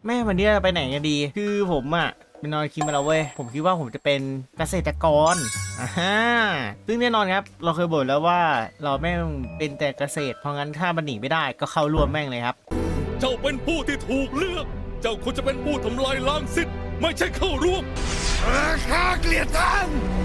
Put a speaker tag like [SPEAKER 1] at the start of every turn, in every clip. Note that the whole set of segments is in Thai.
[SPEAKER 1] แม่วันนี้เราไปไหนกันดีคือผมอะเป็นนอนคิดมาแล้วเว้ยผมคิดว่าผมจะเป็นเกษตรกรซึ่งแน่นอนครับเราเคยบ่นแล้วว่าเราแม่งเป็นแต่เกษตรเพราะงั้นถ้ามันหนีไม่ได้ก็เข้าร่วมแม่งเลยครับ
[SPEAKER 2] เจ้าเป็นผู้ที่ถูกเลือก เจ้าควรจะเป็นผู้ทำลายล้างสิทธิ์ไม่ใช่เข้าร่วมข้าเกลียดท่าน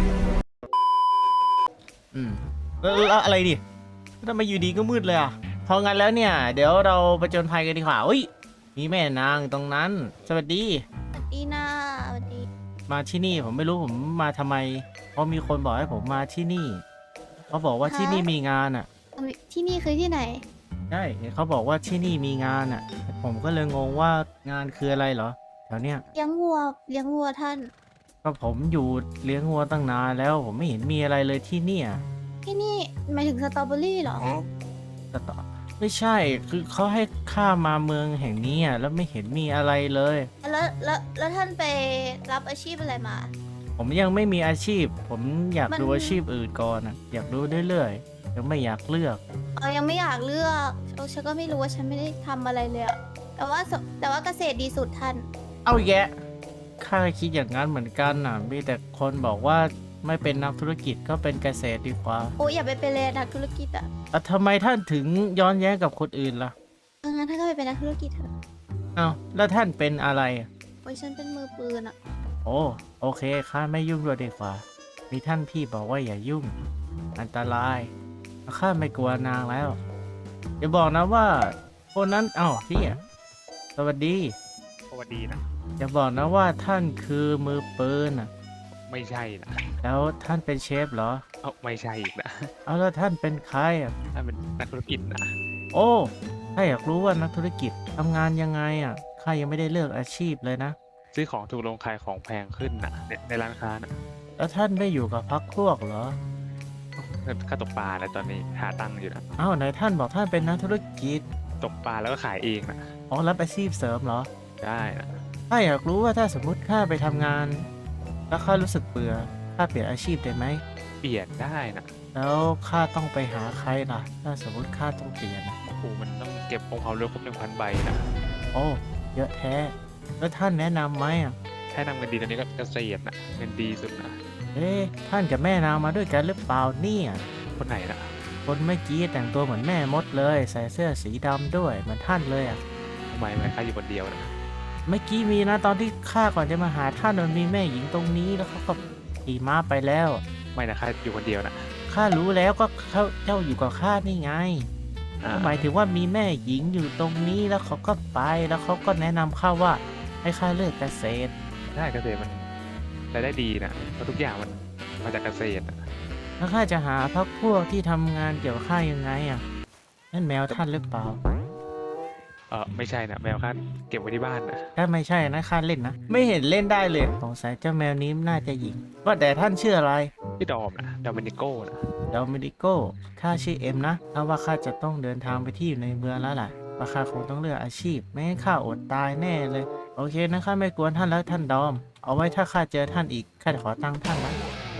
[SPEAKER 1] แล้วอะไรดิทำไมอยู่ดีก็มืดเลยอ่ะเพราะงั้นแล้วเนี่ยเดี๋ยวเราไปจนภัยกันดีกว่าอุ้ยมีแม่นางตรงนั้นสวัสดี
[SPEAKER 3] สวัสดีนะสวัสดี
[SPEAKER 1] มาที่นี่ผมไม่รู้ผมมาทำไมเพราะมีคนบอกให้ผมมาที่นี่เขาบอกว่าที่นี่มีงานอ่ะ
[SPEAKER 3] ที่นี่คือที่ไหน
[SPEAKER 1] ใช่เขาบอกว่าที่นี่มีงานอ่ะผมก็เลยงงว่างานคืออะไรเหรอแถวเนี้ย
[SPEAKER 3] เลี้ยงวัวท่าน
[SPEAKER 1] ก็ผมอยู่เลี้ยงวัวตั้งนานแล้วผมไม่เห็นมีอะไรเลยที่เนี่ย
[SPEAKER 3] ที่นี่หมายถึงสตรอเบอรี่เหรอ
[SPEAKER 1] แต่ต่อไม่ใช่คือเขาให้ข้ามาเมืองแห่งนี้อ่ะแล้วไม่เห็นมีอะไรเลย
[SPEAKER 3] แล้วท่านไปรับอาชีพอะไรมา
[SPEAKER 1] ผมยังไม่มีอาชีพ ผมอยาก
[SPEAKER 3] มัน
[SPEAKER 1] ดูอาชีพอื่นก่อนอ่ะอยากดูเรื่อยๆยังไม่อยากเลือก
[SPEAKER 3] ยังไม่อยากเลือกฉันก็ไม่รู้ว่าฉันไม่ได้ทำอะไรเลยอะแต่ว่าเกษตรดีสุดท่าน
[SPEAKER 1] เอาแยะข้าคิดอย่างนั้นเหมือนกันน่ะมีแต่คนบอกว่าไม่เป็นนักธุรกิจก็เป็นเกษตรดีกว่า
[SPEAKER 3] โอ้ยอย่าไปเป็นเลยนักธุรกิจอะ
[SPEAKER 1] แล้วทำไมท่านถึงย้อนแย้งกับคนอื่นล่ะ
[SPEAKER 3] งั้นท่านก็ไปเป็นนักธุรกิจเถอะ
[SPEAKER 1] เอาแล้วท่านเป็นอะไรอ่ะ
[SPEAKER 3] โอ้ยฉันเป็นมือปืนอะ
[SPEAKER 1] โอ้โอเคข้าไม่ยุ่งด้วยดีกว่ามีท่านพี่บอกว่าอย่ายุ่งอันตรายข้าไม่กลัวนางแล้วอย่าบอกนะว่าคนนั้นเอ้าพี่อ่ะสวัสดี
[SPEAKER 4] สวัสดีนะ
[SPEAKER 1] อย่าบอกนะว่าท่านคือมือปืนอ่ะ
[SPEAKER 4] ไม่ใช่นะ
[SPEAKER 1] แล้วท่านเป็นเชฟเหรอ
[SPEAKER 4] เอาไม่ใช่อีกนะ
[SPEAKER 1] เอาแล้วท่านเป็นใครอ่ะ
[SPEAKER 4] ถ้าเป็นนักธุรกิจนะ
[SPEAKER 1] โอ้ถ้าอยากรู้ว่านักธุรกิจทำงานยังไงอ่ะข้ายังไม่ได้เลือกอาชีพเลยนะ
[SPEAKER 4] ซื้อของถูกลงขายของแพงขึ้นนะในร้านค้านะ
[SPEAKER 1] แล้วท่านไม่อยู่กับพรรคพวกเหรอ
[SPEAKER 4] ค่าตกปลาแล้วตอนนี้หาตังค์อยู่นะ
[SPEAKER 1] เอ้าไหนท่านบอกท่านเป็นนักธุรกิจ
[SPEAKER 4] ตกปลาแล้วก็ขายเองนะ
[SPEAKER 1] อ๋อรับอาชีพเสริมเหรอ
[SPEAKER 4] ได้นะ
[SPEAKER 1] ถ้าอยากรู้ว่าถ้าสมมติข้าไปทำงาน แล้วข้ารู้สึกเบื่อข้าเปลี่ยนอาชีพได้ไหม
[SPEAKER 4] เปลี่ยนได้นะ
[SPEAKER 1] แล้วข้าต้องไปหาใครล่ะ ถ้าสมมติข้าต้องเปลี่ยน
[SPEAKER 4] โอ้โหมันต้องเก็บองค์ความรู้ครบ 1,000 ใบนะ
[SPEAKER 1] โอ้เยอะแท้ แล้วท่านแนะนำไหมอ่ะ
[SPEAKER 4] ถ้านำเงินดีตอนนี้ก็เกษตรนะเงินดีสุดนะ
[SPEAKER 1] เอ๊ะท่านกับแม่นางมาด้วยกันหรือเปล่าเนี่ย
[SPEAKER 4] คนไหนนะ
[SPEAKER 1] คนเมื่อกี้แต่งตัวเหมือนแม่มดเลย ใส่เสื้อสีดำด้วยเหมือนท่านเลยอ่ะ
[SPEAKER 4] ทำไมข้าอยู่คนเดียวนะ
[SPEAKER 1] เมื่อกี้มีนะตอนที่ข้าก่อนจะมาหาท่านมันมีแม่หญิงตรงนี้แล้วเขาก็ขี่ม้าไปแล้ว
[SPEAKER 4] ไม่นะข้าอยู่คนเดียวนะ
[SPEAKER 1] ข้ารู้แล้วก็เขาเจ้าอยู่กับข้านี่ไง
[SPEAKER 4] อ่า
[SPEAKER 1] หมายถึงว่ามีแม่หญิงอยู่ตรงนี้แล้วเขาก็ไปแล้วเขาก็แนะนำข้าว่าให้ข้าเลือกเกษตร
[SPEAKER 4] ได้เกษตรมันรายได้ดีนะเพราะทุกอย่างมันมาจากเกษตรนะ
[SPEAKER 1] แล้วข้าจะหาพรรคพวกที่ทำงานเกี่ยวกับข้ายังไงอ่ะนั่นแมวท่านหรือเปล่า
[SPEAKER 4] ไม่ใช่นะแมวข้าเก็บไว้ที่บ้านนะ
[SPEAKER 1] ถ้าไม่ใช่นะข้าเล่นนะไม่เห็นเล่นได้เลยสงสัยเจ้าแมวนี้น่าจะหญิงว่าแต่ท่านชื่ออะไร
[SPEAKER 4] พี่ดอมนะดอมินิโก้นะ
[SPEAKER 1] เดลเมดิโก้ข้าชื่อเอ็มนะถ้าว่าข้าจะต้องเดินทางไปที่อยู่ในเมืองแล้วล่ะว่าข้าคงต้องเลือกอาชีพไม่งั้นข้าอดตายแน่เลยโอเคนะข้าไม่กวนท่านแล้วท่านดอมเอาไว้ถ้าข้าเจอท่านอีกข้าจะขอตังค์ท่านนะ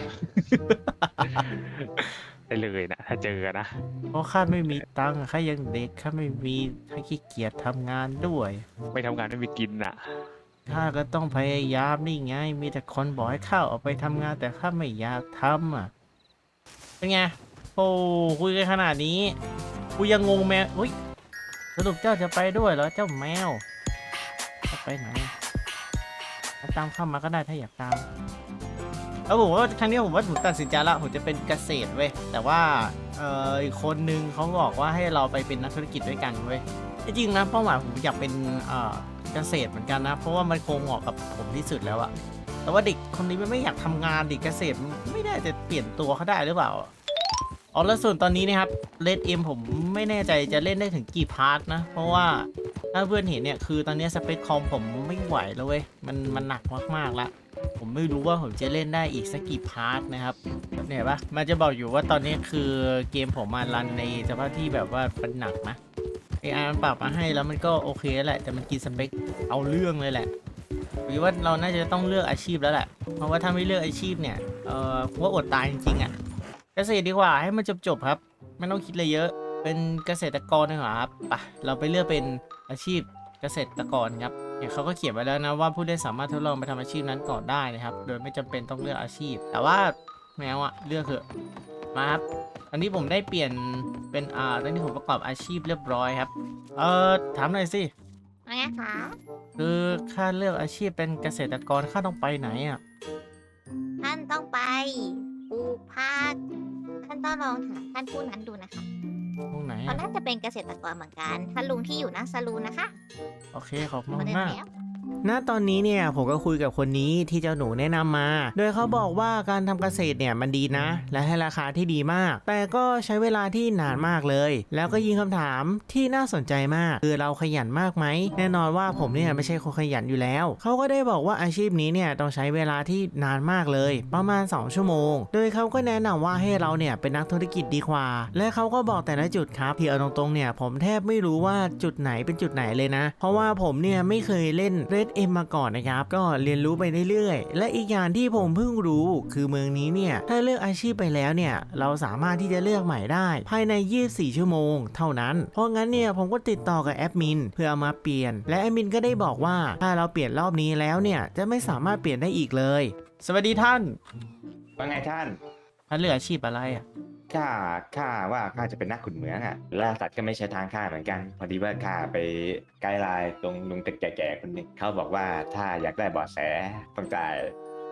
[SPEAKER 4] ได้เลยนะถ้าเจอนะ
[SPEAKER 1] เพราะข้าไม่มีตังค์ข้ายังเด็กข้าไม่มีข้าขี้เกียจทำงานด้วย
[SPEAKER 4] ไม่ทำงานไม่มีกินน่ะ
[SPEAKER 1] ข้าก็ต้องพยายามนี่ไง มีแต่คนบอกให้ข้าออกไปทำงานแต่ข้าไม่อยากทำอ่ะเป็นไงโอ้คุยกันขนาดนี้กูยังงงแมวอุ้ยสรุปเจ้าจะไปด้วยเหรอเจ้าแมวจะไปไหนถ้าตามเข้ามาก็ได้ถ้าอยากตามแล้วผมว่าครั้งนี้ผมว่าผมตัดสินใจละผมจะเป็นเกษตรเว้ยแต่ว่าอีกคนนึงเขาบอกว่าให้เราไปเป็นนักธุรกิจด้วยกันเว้ยจริงๆนะเป้าหมายผมอยากเป็นเกษตรเหมือนกันนะเพราะว่ามันคงเหมาะกับผมที่สุดแล้วอะแต่ว่าเด็กคนนี้มันไม่อยากทำงานเด็กเกษตรมันไม่ได้จะเปลี่ยนตัวเขาได้หรือเปล่าอ๋อแล้วส่วนตอนนี้นะครับเลดเอ็มผมไม่แน่ใจจะเล่นได้ถึงกี่พาร์ทนะเพราะว่าถ้าเพื่อนเห็นเนี่ยคือตอนนี้สเปคคอมผมไม่ไหวแล้วเว้ยมันหนักมากๆละผมไม่รู้ว่าผมจะเล่นได้อีกสักกี่พาร์ทนะครับเนี่ยปะมันจะบอกอยู่ว่าตอนนี้คือเกมผมมารันในสภาพที่แบบว่ามันหนักนะAI มันปรับมาให้แล้วมันก็โอเคแหละแต่มันกินสเปคเอาเรื่องเลยแหละหรือว่าเราน่าจะต้องเลือกอาชีพแล้วแหละเพราะว่าถ้าไม่เลือกอาชีพเนี่ยผมว่าอดตายจริงๆอ่ะเกษตรดีกว่าให้มันจบๆครับไม่ต้องคิดอะไรเยอะเป็นเกษตรกรดีกว่าครับไปเราไปเลือกเป็นอาชีพเกษตรกรครับเนี่ยเขาก็เขียนไว้แล้วนะว่าผู้เล่นสามารถทดลองไปทำอาชีพนั้นก่อนได้นะครับโดยไม่จำเป็นต้องเลือกอาชีพ แต่ว่าแมวอะเลือกเถอะมาครับอันนี้ผมได้เปลี่ยนเป็นตอนนี้ผมประกอบอาชีพเรียบร้อยครับถามหน่อยสิ
[SPEAKER 3] อะไรคะ
[SPEAKER 1] คือข้าเลือกอาชีพเป็นเกษตรกรข้าต้องไปไหนอ่ะ
[SPEAKER 3] ท่านต้องไปปลูกผักท่านต้องลองถามท่านผู้นั้นดูนะคะ
[SPEAKER 1] ตรงไหน
[SPEAKER 3] เขา
[SPEAKER 1] อะ
[SPEAKER 3] น่าจะเป็นเกษตรกรเหมือนกันท่านลุงที่อยู่หน้าซาลูนนะคะ
[SPEAKER 1] โอเคขอบคุณ
[SPEAKER 3] มาเดิน
[SPEAKER 1] มาก
[SPEAKER 3] แล้ว
[SPEAKER 1] ณตอนนี้เนี่ยผมก็คุยกับคนนี้ที่เจ้าหนูแนะนำมา โดยเขาบอกว่าการทำเกษตรเนี่ยมันดีนะ และให้ราคาที่ดีมาก แต่ก็ใช้เวลาที่นานมากเลย แล้วก็ยิงคำถามที่น่าสนใจมากคือเราขยันมากไหมแน่นอนว่าผมเนี่ยไม่ใช่คนขยันอยู่แล้วเขาก็ได้บอกว่าอาชีพนี้เนี่ยต้องใช้เวลาที่นานมากเลยประมาณ2 ชั่วโมง โดยเขาก็แนะนำว่าให้เราเนี่ยเป็นนักธุรกิจดีกว่า และเขาก็บอกแต่ละจุดครับที่เอาตรงๆเนี่ยผมแทบไม่รู้ว่าจุดไหนเป็นจุดไหนเลยนะ เพราะว่าผมเนี่ยไม่เคยเล่น Red M มาก่อนนะครับก็เรียนรู้ไปเรื่อยๆและอีกอย่างที่ผมเพิ่งรู้คือเมืองนี้เนี่ยถ้าเลือกอาชีพไปแล้วเนี่ยเราสามารถที่จะเลือกใหม่ได้ภายใน24 ชั่วโมงเท่านั้นเพราะงั้นเนี่ยผมก็ติดต่อกับแอดมินเพื่อเอามาเปลี่ยนและแอดมินก็ได้บอกว่าถ้าเราเปลี่ยนรอบนี้แล้วเนี่ยจะไม่สามารถเปลี่ยนได้อีกเลยสวัสดีท่าน
[SPEAKER 5] ว่าไงท่าน
[SPEAKER 1] ท่านเลือกอาชีพอะไรอ่ะ
[SPEAKER 5] ข้าว่าข้าจะเป็นนักขุดเหมืองอ่ะล่าสัตว์ก็ไม่ใช่ทางข้าเหมือนกัน พอดีว่าข้าไปไกด์ไลน์ตรงลุงแก่ๆคนหนึงเขาบอกว่าถ้าอยากได้เบาะแสต้องจ่าย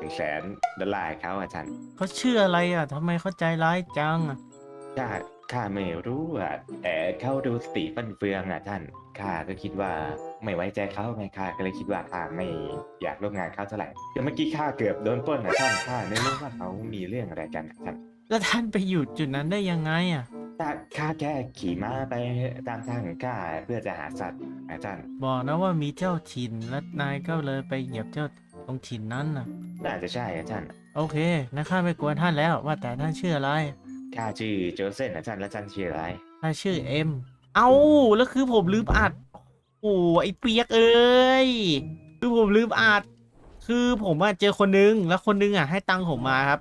[SPEAKER 5] $100,000ให้เขาอาจารย์
[SPEAKER 1] เขาชื่ออะไรอ่ะทำไมเขาใจร้ายจังอ่ะ
[SPEAKER 5] ข้าไม่รู้อ่ะแต่เขาดูสติฟั่นเฟืองอ่ะท่านข้าก็คิดว่าไม่ไว้ใจเขาไงข้าก็เลยคิดว่าข้าไม่อยากร่วมงานเขาเท่าไหร่แต่เมื่อกี้ข้าเกือบโดนปล้นอ่ะท่านข้าไม่รู้ว่าเขามีเรื่องอะไรกันอะท่าน
[SPEAKER 1] แล้วท่านไปอยู่จุดนั้นได้ยังไงอ่ะ
[SPEAKER 5] ข้าแค่ขี่ม้าไปตามทางของข้าเพื่อจะหาสัตว์อาจารย์
[SPEAKER 1] บอกนะว่ามีเจ้าถิ่นและนายก็เลยไปเหยียบเจ้าตรงถิ่นนั้นน่ะ
[SPEAKER 5] น่าจะใช่อาจารย์
[SPEAKER 1] โอเคนะข้าไม่กวนท่านแล้วว่าแต่ท่านชื่ออะไร
[SPEAKER 5] ข้าชื่อโจเซนอาจารย์และอาจารย์ชื่ออะไร
[SPEAKER 1] ข้าชื่อเอ็มเอาแล้วคือผมลืมอัดโอ้ไอเปียกเอ้ยคือผมลืมอัดคือผมอะเจอคนนึงแล้วคนนึงอะให้ตังค์ผมมาครับ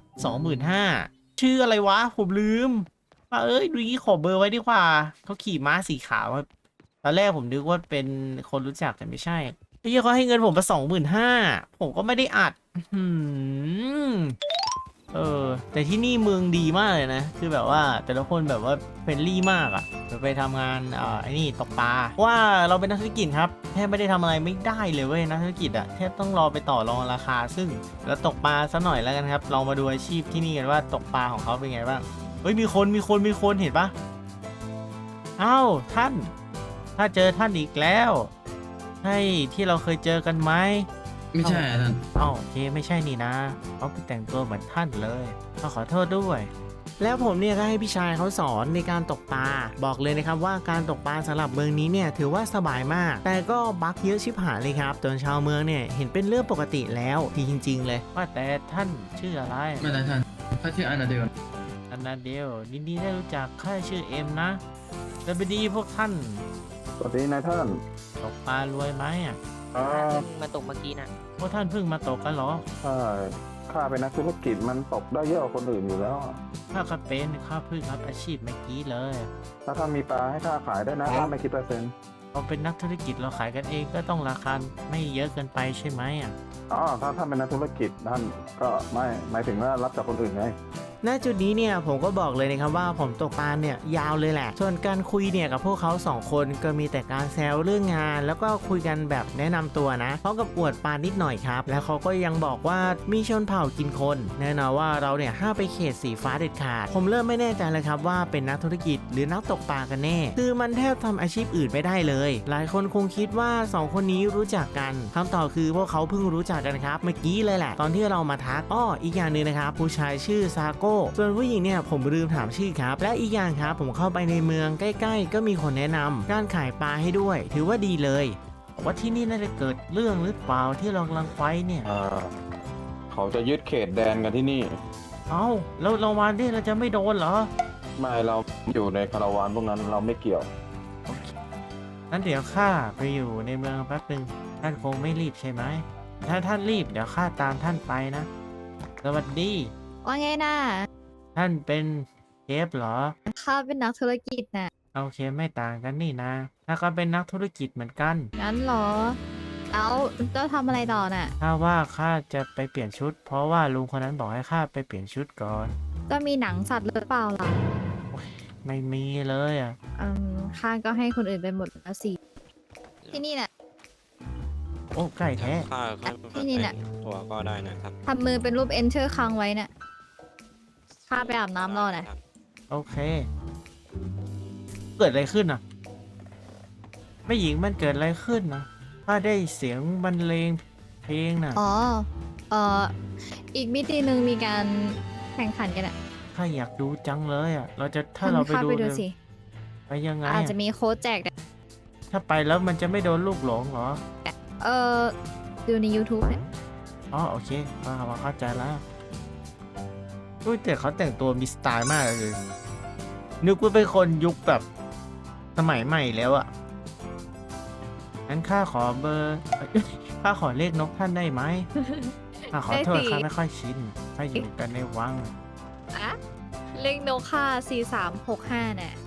[SPEAKER 1] 25,000ชื่ออะไรวะผมลืมว่าเอ้ยดูงี้ขอเบอร์ไว้ดีกว่าเขาขี่ม้าสีขาวครับตอนแรกผมนึกว่าเป็นคนรู้จักแต่ไม่ใช่ที่เขาให้เงินผมมา25,000ผมก็ไม่ได้อัดอื้อหือแต่ที่นี่เมืองดีมากเลยนะคือแบบว่าแต่ละคนแบบว่าเฟรนลี่มากอะไปทำงานไอ้นี่ตกปลาว่าเราเป็นนักธุรกิจครับแทบไม่ได้ทำอะไรไม่ได้เลยเว้ยนักธุรกิจอะแทบต้องรอไปต่อรองราคาซึ่งแล้วตกปลาซะหน่อยแล้วกันครับลองมาดูอาชีพที่นี่กันว่าตกปลาของเขาเป็นไงบ้างเฮ้ยมีคนเห็นปะเอ้าท่านถ้าเจอท่านอีกแล้วใช่ที่เราเคยเจอกันไหม
[SPEAKER 6] ไม่ใช่อะท่าน
[SPEAKER 1] โอเคไม่ใช่นี่นะเขาไปแต่งตัวเหมือนท่านเลยขอโทษด้วย แล้วผมเนี่ยก็ให้พี่ชายเขาสอนในการตกปลาบอกเลยนะครับว่าการตกปลาสำหรับเมืองนี้เนี่ยถือว่าสบายมาก แต่ก็บั๊กเยอะชิบหายเลยครับจนชาวเมืองเนี่ยเห็นเป็นเรื่องปกติแล้วที่จริง ๆ เลยว่าแต่ท่านชื่ออะไร
[SPEAKER 6] ไม่ได้ท่านเขาชื่ออานาเดล
[SPEAKER 1] อันนาเดลยินดีได้รู้จักข้าชื่อเอ็มนะแล้วไปดีพวกท่าน
[SPEAKER 7] สวัสดีนายท่าน
[SPEAKER 1] ตกปลารวยไหมอ่ะ
[SPEAKER 8] มาตกเมื่อกี้นะ
[SPEAKER 1] พวกท่านเพิ่งมาตกกันเหรอ
[SPEAKER 7] ใช่ข้าเป็นนักธุรกิจมันตกได้เยอะกว่าคนอื่นอยู่แล้ว
[SPEAKER 1] ข้าก็เป็นข้าเพิ่งรับอาชีพเมื่อกี้เลย
[SPEAKER 7] ถ้าท่านมีปลาให้ข้าขายได้นะข้าไม่คิดเปอร์เซ็นต์
[SPEAKER 1] เราเป็นนักธุรกิจเราขายกันเองก็ต้องราคาไม่เยอะเกินไปใช่ไหมอ่ะ
[SPEAKER 7] อ๋อถ้าท่านเป็นนักธุรกิจท่านก็ไม่หมายถึงว่ารับจากคนอื่นไง
[SPEAKER 1] ณจุดนี้เนี่ยผมก็บอกเลยนะครับว่าผมตกปลาเนี่ยยาวเลยแหละส่วนการคุยเนี่ยกับพวกเขา2 คนก็มีแต่การแซวเรื่องงาน แล้วก็คุยกันแบบแนะนำตัวนะพร้อมกับอวดปลานิดหน่อยครับแล้วเขาก็ยังบอกว่ามีชนเผ่ากินคนแน่นอนว่าเราเนี่ยห้ามไปเขตสีฟ้าเด็ดขาดผมเริ่มไม่แน่ใจเลยครับว่าเป็นนักธุรกิจหรือนักตกปลากันแน่คือมันแทบทำอาชีพอื่นไม่ได้เลยหลายคนคงคิดว่า2 คนนี้รู้จักกันคำตอบคือพวกเขาเพิ่งรู้จักกันครับเมื่อกี้เลยแหละตอนที่เรามาทักอีกอย่างหนึ่งนะครับผู้ชายชื่อซาโก้ส่วนผู้หญิงเนี่ยผมลืมถามชื่อครับและอีกอย่างครับผมเข้าไปในเมืองใกล้ๆก็มีคนแนะนำการขายปลาให้ด้วยถือว่าดีเลยว่าที่นี่น่าจะเกิดเรื่องหรือเปล่าที่เรากำลังไฟเนี่ย
[SPEAKER 7] เขาจะยึดเขตแดนกันที่นี่
[SPEAKER 1] เอ้าแล้วเราวันนี้เราจะไม่โดนเหรอ
[SPEAKER 7] ไม่เราอยู่ในคาราวานพวกนั้นเราไม่เกี่ยว
[SPEAKER 1] โอเคงั้นเดี๋ยวข้าไปอยู่ในเมืองแป๊บหนึ่งท่านคงไม่รีบใช่ไหมถ้าท่านรีบเดี๋ยวข้าตามท่านไปนะสวัสดี
[SPEAKER 3] ว่าไงน่ะ
[SPEAKER 1] ท่านเป็นเชฟเหรอ
[SPEAKER 3] ข้าเป็นนักธุรกิจน่ะ
[SPEAKER 1] โอเคไม่ต่างกันนี่นะถ้าก็เป็นนักธุรกิจเหมือนกัน
[SPEAKER 3] งั้นเหรอ
[SPEAKER 9] แล้วเจ้าทำอะไรต่อน่ะ
[SPEAKER 1] ข้าว่าข้าจะไปเปลี่ยนชุด เพราะว่าลุงคนนั้นบอกให้ข้าไปเปลี่ยนชุดก่อน
[SPEAKER 9] ก็มีหนังสัตว์หรือเปล่าล่ะ
[SPEAKER 1] ไม่มีเลยอ่ะ
[SPEAKER 9] ข้าก็ให้คนอื่นไปหมดแล้วสิ ที่นี่น่ะ
[SPEAKER 1] โอ้ใกล้แท้
[SPEAKER 9] ที่นี่น่ะ
[SPEAKER 10] ตัวก็ได้นะครับ
[SPEAKER 9] ทำมือเป็นรูปเอนเชอร์ค้างไว้น่ะ ข้าไปอาบน้ำรอน่ะ
[SPEAKER 1] โอเค เกิดอะไรขึ้นอ่ะแม่หญิงมันเกิดอะไรขึ้นนะข้าได้เสียงบรรเลงเพลงน่ะ
[SPEAKER 9] อ๋อ อีกมิติหนึ่งมีการแข่งขันกันอ่ะ
[SPEAKER 1] ข้าอยากดูจังเลยอ่ะ เราจะถ้าเราไป
[SPEAKER 9] ข้
[SPEAKER 1] ดู
[SPEAKER 9] ไปดู
[SPEAKER 1] เนี่ย
[SPEAKER 9] สิ
[SPEAKER 1] ไปยังไง
[SPEAKER 9] อาจ
[SPEAKER 1] อะ
[SPEAKER 9] จะมีโค้ดแจกด้วย
[SPEAKER 1] ถ้าไปแล้วมันจะไม่โดนลูกหลงเหรอ
[SPEAKER 9] เออดูใน YouTube เนี่ย
[SPEAKER 1] อ๋อโอเคมาเข้าใจแล้วอุ้ยแต่เขาแต่งตัวมีสไตล์มากเลย นึกว่าเป็นคนยุคแบบสมัยใหม่แล้วอะงั้นข้าขอเบอร์ข้าขอเลขนกท่านได้ไหมข้าขอโทษ
[SPEAKER 9] ได้สิ
[SPEAKER 1] ข้าไม่ค่อยชินข้าอยู่กันในวัง
[SPEAKER 9] อะเลขโนค่า4365น่ะ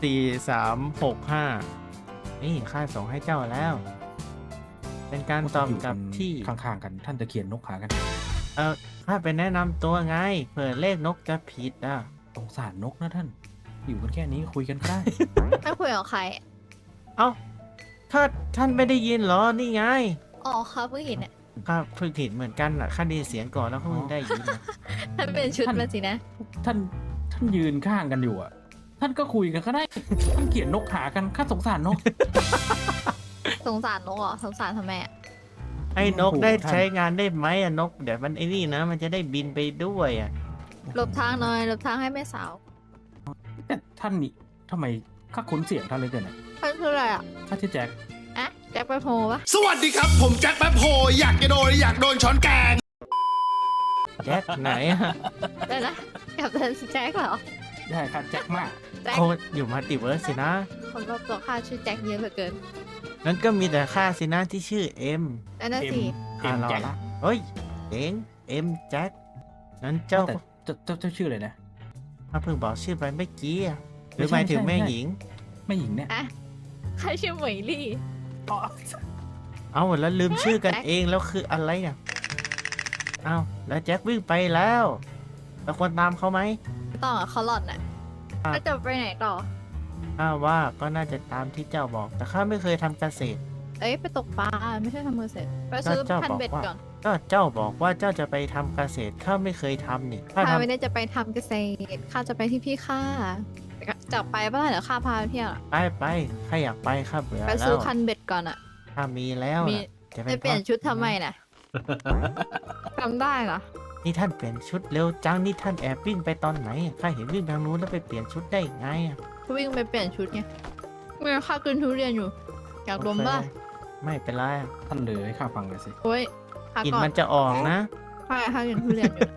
[SPEAKER 1] 4365นี่ข้าส่งให้เจ้าแล้ว เป็นการตอบกลับที่
[SPEAKER 11] ข้างๆกันท่านจะเขียนนกหากัน
[SPEAKER 1] ข้าไปแนะนำตัวไงเผื่อเลขนกจะผิดอ่ะ
[SPEAKER 11] สงสารนกนะท่าน อยู่กันแค่นี้คุยกันก็ได้
[SPEAKER 9] ถ้าคุยกับใคร
[SPEAKER 1] เอ้าถ้าท่านไม่ได้ยินเหรอ นี่ไง
[SPEAKER 9] อ๋อครับเพิ่งเห็นอ่ะ
[SPEAKER 1] ข้าเพิ่งเห็นเหมือนกันอ่ะข้าได้ยินเสียงก่อนแล้วก็เพิ่งได้ยินนะ
[SPEAKER 9] ท่านเป็นชุดมาสินะ
[SPEAKER 11] ท่านยืนข้างกันอยู่อ่ะ ท่านก็คุยกันก็ได้ ท่านเขียนนกหากันข้าสงสารนก
[SPEAKER 9] สงสารนกเหรอ สงสารทำไมอ่ะ
[SPEAKER 1] ให้นก
[SPEAKER 11] โอ้โห
[SPEAKER 1] ได้
[SPEAKER 11] ท่าน
[SPEAKER 1] ใช้งานได้ไหมอ่ะนกเดี๋ยวมันไอ้นี่นะ มันจะได้บินไปด้วยอ่ะ
[SPEAKER 9] หลบทางหน่อย หลบทางให้แม่สาว
[SPEAKER 11] แต่ท่านนี่ทำไมข้าคุ้นเสียงท่านเลยเกินอ่ะ
[SPEAKER 9] ท่านคืออะไรอ่ะ
[SPEAKER 11] ข้าชื่อแจ็ค
[SPEAKER 9] อะแจ็คไปโพปะ
[SPEAKER 2] สวัสดีครับ ผมแจ็คแป๊บโฮอยากโดนช้อนแกง
[SPEAKER 1] แจ็คไหนอ่ะ
[SPEAKER 9] เดี๋ยวนะกับท่านแจ็คเหรอ
[SPEAKER 11] ได้ข้าแจ็คมาก
[SPEAKER 9] แจ็ค
[SPEAKER 1] โคตรอยู่มัลติเวิร์สสินะ
[SPEAKER 9] คนรอบตัวข้าชื่อแจ็คเยอะเหลือเกิน
[SPEAKER 1] นั้นก็มีแต่ข้าสินะที่ชื่อเอ็ม
[SPEAKER 9] นั่นน่ะสิ
[SPEAKER 11] เอ็ม
[SPEAKER 1] รอ
[SPEAKER 11] แจ็ค
[SPEAKER 1] ละเฮ้ยเอ็งเอ็มแจ็คนั้นเจ้า
[SPEAKER 11] แต่เจ้าชื่ออะไรนะ
[SPEAKER 1] ข้าเพิ่งบอกชื่อไปเมื่อกี้อะหรือ
[SPEAKER 11] ไม่
[SPEAKER 1] ห
[SPEAKER 11] ใช่
[SPEAKER 1] มายถึง
[SPEAKER 11] ใช่
[SPEAKER 1] แม่
[SPEAKER 11] ใช่
[SPEAKER 1] หญิง
[SPEAKER 11] แม่หญิงเนี่ย
[SPEAKER 9] อะข้าชื่อเหมยลี่
[SPEAKER 11] อ๋อ
[SPEAKER 1] เอาแล้วลืมชื่อกัน
[SPEAKER 9] แจ็ค
[SPEAKER 1] เองแล้วคืออะไรเนี่ยเอาแล้วแจ็ควิ่งไปแล้วเราควรตามเขาไหม
[SPEAKER 9] ต่อเขาหล่อนน่ะ
[SPEAKER 1] ครับ
[SPEAKER 9] แล้วจะไปไหนต่อ
[SPEAKER 1] ข้าว่าก็น่าจะตามที่เจ้าบอก แต่ข้าไม่เคยทำเกษตร
[SPEAKER 9] เอ้ยไปตกปลาไม่ใช่ทำมือเสร็จ ไปซื้อ
[SPEAKER 1] เจ้า
[SPEAKER 9] พัน
[SPEAKER 1] บอก
[SPEAKER 9] เบ็ด
[SPEAKER 1] ว่า
[SPEAKER 9] ก่อน
[SPEAKER 1] ก็เจ้าบอกว่าเจ้าจะไปทำเกษตรข้าไม่เคยทำนี่ข้า
[SPEAKER 9] ข้า
[SPEAKER 1] ท
[SPEAKER 9] ไม่ได้จะไปทำเกษตรข้าจะไปที่พี่ข้าจะไปป่ะเดี๋ยวข้าพาไปเที่ยวอะ
[SPEAKER 1] ำไปข้าอยากไปข้าเบื่อ
[SPEAKER 9] ไป
[SPEAKER 1] แล้
[SPEAKER 9] ซื้อ
[SPEAKER 1] ว
[SPEAKER 9] พันเบ็ดก่อนอ่ะ
[SPEAKER 1] ข้ามีแล้ว
[SPEAKER 9] มี
[SPEAKER 1] น่ะจะ
[SPEAKER 9] จะเปลี่ยนชุดทำไมน่ะจำได้เหรอ
[SPEAKER 1] นี่ท่านเปลี่ยนชุดเร็วจังนี่ท่านแอบวิ่งไปตอนไหนข้าเห็นวิ่งทางนู้นแล้วไปเปลี่ยนชุดได้ไงอะ
[SPEAKER 9] วิ่งไปเปลี่ยนชุดไงเมื่อข้ากินทุเรียนอยู่ อยากดมป่ะ
[SPEAKER 1] โอเคไม่เป็นไรอะ
[SPEAKER 11] ท่านเลยให้ข้าฟังเลยสิ
[SPEAKER 9] โอ้ยข้าก
[SPEAKER 1] ลิ่น
[SPEAKER 9] ก่อน
[SPEAKER 1] มันจะออกนะ
[SPEAKER 9] ข้ากินทุเรียนอยู่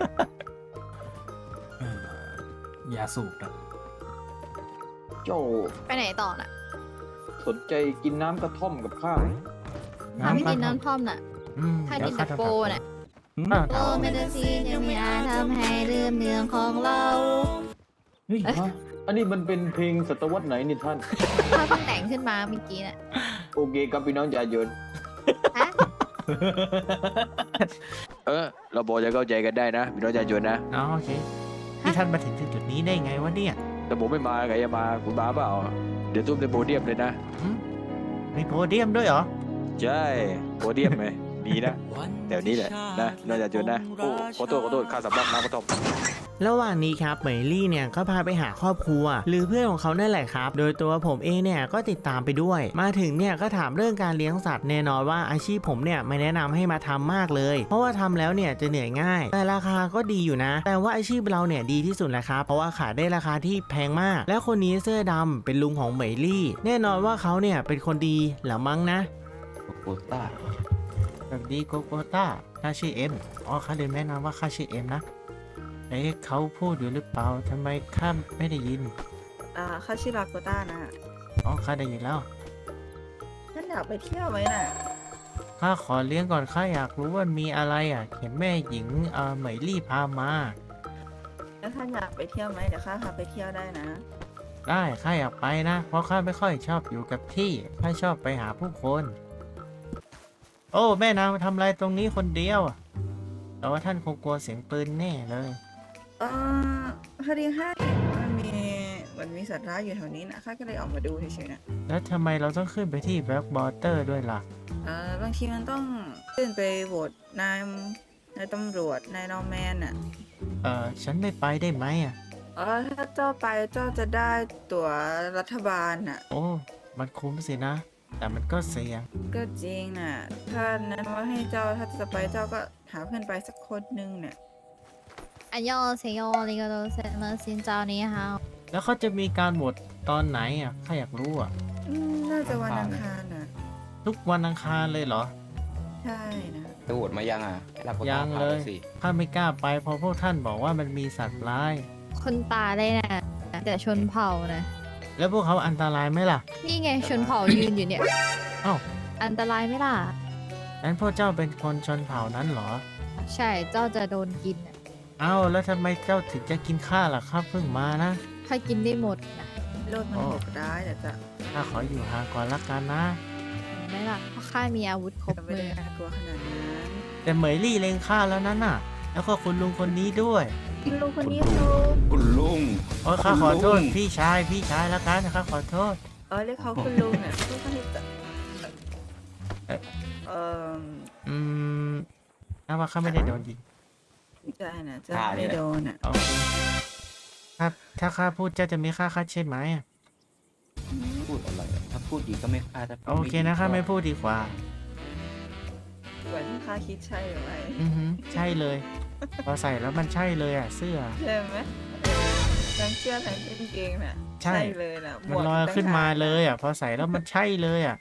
[SPEAKER 11] อย่าสูบนะ
[SPEAKER 7] เจ้า
[SPEAKER 9] ไปไหนต่อน่ะ
[SPEAKER 7] สนใจกินน้ำกระท่อมกับข้าไหม
[SPEAKER 9] ข้าไม่กินน้ำท่อมน่ะ ข้า
[SPEAKER 1] เดี๋
[SPEAKER 9] กิ
[SPEAKER 1] ย
[SPEAKER 9] น
[SPEAKER 1] วข้า
[SPEAKER 9] แต่
[SPEAKER 1] ทำ
[SPEAKER 9] โป
[SPEAKER 1] แบบ
[SPEAKER 9] น่ะ
[SPEAKER 1] อ้าว
[SPEAKER 3] โอ้เมดซีนยังไม่อาจทำให้ลืมเรื่องของเรา
[SPEAKER 7] เฮ้ยฮะอันนี้มันเป็นเพลงศตวรรษไหนนี่ท่าน
[SPEAKER 9] ข้าเพิ่งแต่งขึ้นมาเมื่อกี้น่ะ
[SPEAKER 7] โอเคครับพี่น้องจ่ายน
[SPEAKER 9] ฮะ
[SPEAKER 10] เราบอกจะเข้าใจกันได้นะพี่น้องประชาชนนะ
[SPEAKER 1] อ๋อโอเคนี่ท่านมาถึงจุดนี้ได้ไงวะเนี่ย
[SPEAKER 10] แต่ผมไม่มาใครจะมาคุณมาเปล่า เดี๋ยวตุ้มในโพเดียมเลยนะ
[SPEAKER 1] มีโพเดียมด้วยเหรอ
[SPEAKER 10] ใช่โพเดียมไหมมีนะแถวนี้แหละนะพี่น้องประชาชนนะโอ้ขอโทษข้าสำลักน้ำกระท่อม
[SPEAKER 1] ระหว่างนี้ครับเหมยลี่เนี่ยก็พาไปหาครอบครัว หรือเพื่อนของเขานั่นแหละครับ โดยตัวผมเองเนี่ยก็ติดตามไปด้วย มาถึงเนี่ยก็ถามเรื่องการเลี้ยงสัตว์แน่นอนว่าอาชีพผมเนี่ยไม่แนะนำให้มาทำมากเลย เพราะว่าทำแล้วเนี่ยจะเหนื่อยง่าย แต่ราคาก็ดีอยู่นะ แต่ว่าอาชีพเราเนี่ยดีที่สุดแหละครับเพราะว่าขายได้ราคาที่แพงมาก และคนนี้เสื้อดำเป็นลุงของเหมยลี่ แน่นอนว่าเขาเนี่ยเป็นคนดีเหรือมั้งนะ
[SPEAKER 5] โกต้า
[SPEAKER 1] สวัสดีโกโกต้าข้าชื่อเอ็มอ๋อข้าลืมแนะนำว่าข้าชื่อเอ็มนะเอ๊ะเขาพูดอยู่หรือเปล่าทำไมข้าไม่ได้ยิน
[SPEAKER 12] ข้าชื่อลาโกต้านะ
[SPEAKER 1] อ๋อข้าได้ยินแล้ว
[SPEAKER 12] ท่านอยากไปเที่ยวไหมน่ะ
[SPEAKER 1] ข้าขอเลี้ยงก่อนข้าอยากรู้ว่ามีอะไรอ่ะเห็นแม่หญิงเหมยลี่พามา
[SPEAKER 12] แล้วท่านอยากไปเที่ยวไหมเดี๋ยวข้าพาไปเที่ยวได้นะ
[SPEAKER 1] ได้ข้าอยากไปนะ เพราะข้าไม่ค่อยชอบอยู่กับที่ข้าชอบไปหาผู้คนโอ้แม่นางมาทำอะไรตรงนี้คนเดียวอะแต่ว่าท่านคงกลัวเสียงปืนแน่เลย
[SPEAKER 12] พอดีข้ามันมีสัตว์ร้ายอยู่แถวนี้นะข้าก็เลยออกมาดูเฉยๆนะ
[SPEAKER 1] แล้วทำไมเราต้องขึ้นไปที่แบล็กบอเตอร์ด้วยล่ะ
[SPEAKER 12] บางทีมันต้องขึ้นไปโหวตนายตำรวจนายนอร์แมนอ่ะ
[SPEAKER 1] ฉันไม่ไปได้ไหมอ่ะ
[SPEAKER 12] ถ้าเจ้าไปเจ้าจะได้ตั๋วรัฐบาลอ่ะ
[SPEAKER 1] โอ้มันคุ้มสินะ แต่มันก็เสี่ยง
[SPEAKER 12] ก็จริงน่ะถ้านั้นว่าให้เจ้าถ้าจะไปเจ้าก็หาเพื่อนไปสักคนนึงเนี่ย
[SPEAKER 9] อันยอเซโยริโกโตเซมาซินเจ้านี้ฮะ
[SPEAKER 1] แล้วเขาจะมีการโหวตตอนไหนอ่ะข้าอยากรู้อ่ะ
[SPEAKER 12] น่าจะวันอังคารน่ะ
[SPEAKER 1] ทุกวันอังคารเลยเหรอ
[SPEAKER 12] ใช่นะ
[SPEAKER 10] ไปโหวตมายังอ่ะให้รับประกาศ
[SPEAKER 1] ยังเลย
[SPEAKER 10] ข่าวหน่อสิ
[SPEAKER 1] ข้าไม่กล้าไปเพราะพวกท่านบอกว่ามันมีสัตว์ร้าย
[SPEAKER 9] คนตายเลยนะแต่ชนเผ่านะ
[SPEAKER 1] แล้วพวกเขาอันตรายไหมล่ะ
[SPEAKER 9] นี่ไงชนเผ่ายืนอยู่เนี่ย
[SPEAKER 1] อ้าว
[SPEAKER 9] อันตรายไหมล่ะ
[SPEAKER 1] นั้นพวกเจ้าเป็นคนชนเผ่านั้นเหรอ
[SPEAKER 9] ใช่เจ้าจะโดนกินน่ะ
[SPEAKER 1] เอ้าแล้วทำไมเจ้าถึงจะกินข้าล่ะครับเพิ่งมานะ
[SPEAKER 9] ถ้ากินได้หมดนะ
[SPEAKER 12] โลดมันโหดร้ายแต่จะ
[SPEAKER 1] ข้าขออยู่ห่างก่อนละกันนะ
[SPEAKER 9] เห็นไหมล่ะเพราะข้ามีอาวุธครบ
[SPEAKER 12] ไม่
[SPEAKER 9] มื
[SPEAKER 12] ได้
[SPEAKER 9] อ
[SPEAKER 12] น่ากลัวขนาดนั้น
[SPEAKER 1] แต่เหมยลี่เลงข้าแล้วนั่นน่ะ แล้วก็คุณลุงคนนี้ด้วย
[SPEAKER 12] ลุงคนนี้เขา
[SPEAKER 10] คุณลุง
[SPEAKER 1] โอ้ยข้าขอโทษ
[SPEAKER 10] คุณลุง
[SPEAKER 1] พี่ชายแล้วกันข้าขอโทษ
[SPEAKER 12] เรียกเขาคุณลุงเนี่ยเขาก็ให้จะ
[SPEAKER 1] อืมน่าว่าข้าไม่ได้โดนยิง
[SPEAKER 12] ใช่นะเจ้าไม่ได้โดนอ่ะ
[SPEAKER 1] โอเคครับถ้าข้าพูดเจ้าจะมีค่าคัดใช่ไหมอะ
[SPEAKER 10] พูดอะไรอะถ้าพูดดีก็ไม่ค่าถ้าพูด
[SPEAKER 1] โอเคนะข้าไม่พูดดีกว่า
[SPEAKER 12] เหมือนที่ข้าคิดใช่หรือไม่
[SPEAKER 1] อือหือใช่เลย พอใส่แล้วมันใช่เลยอ่ะเสื้อ
[SPEAKER 12] ใช่ไหมทั้งเสื้อทั้งกางเกงน่ะ
[SPEAKER 1] ใช่
[SPEAKER 12] เลยน่ะห
[SPEAKER 1] มัน
[SPEAKER 12] วก
[SPEAKER 1] ลอยขึ้นมา
[SPEAKER 12] ต่งหก
[SPEAKER 1] เลยอ่ะ พอใส่แล้วมันใช่เลยอ่ะ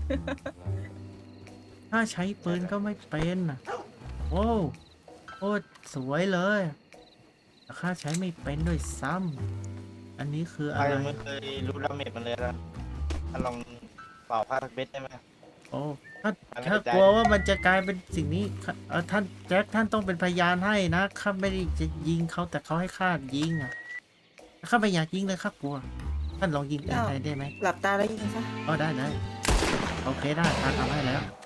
[SPEAKER 1] ถ้าใช้ปืนก็ไม่เป็นอ่ะ โอ้โคตรสวยเลยแต่ข้าใช้ไม่เป็นด้วยซ้ำอันนี้คืออะไร
[SPEAKER 13] ไม่เคยรู้ดาเมจมันเลยนะลองเป่าผ้าเบ็ดได้ไหม
[SPEAKER 1] โอ้ถ้า
[SPEAKER 13] ไม่
[SPEAKER 1] ถ้า
[SPEAKER 13] ได้
[SPEAKER 1] กลัวว่ามันจะกลายเป็นสิ่งนี้ท่านแจ็คท่านต้องเป็นพยานให้นะข้าไม่ได้จะยิงเขาแต่เขาให้ข้ายิงอ่ะข้าไม่อยากยิงเลยข้ากลัว ท่านลองยิงปืนไทยได้ไหม
[SPEAKER 12] หลับตาแล้วยิงซะ
[SPEAKER 1] อ๋อได้โอเคได้ข้าทำให้แล้ว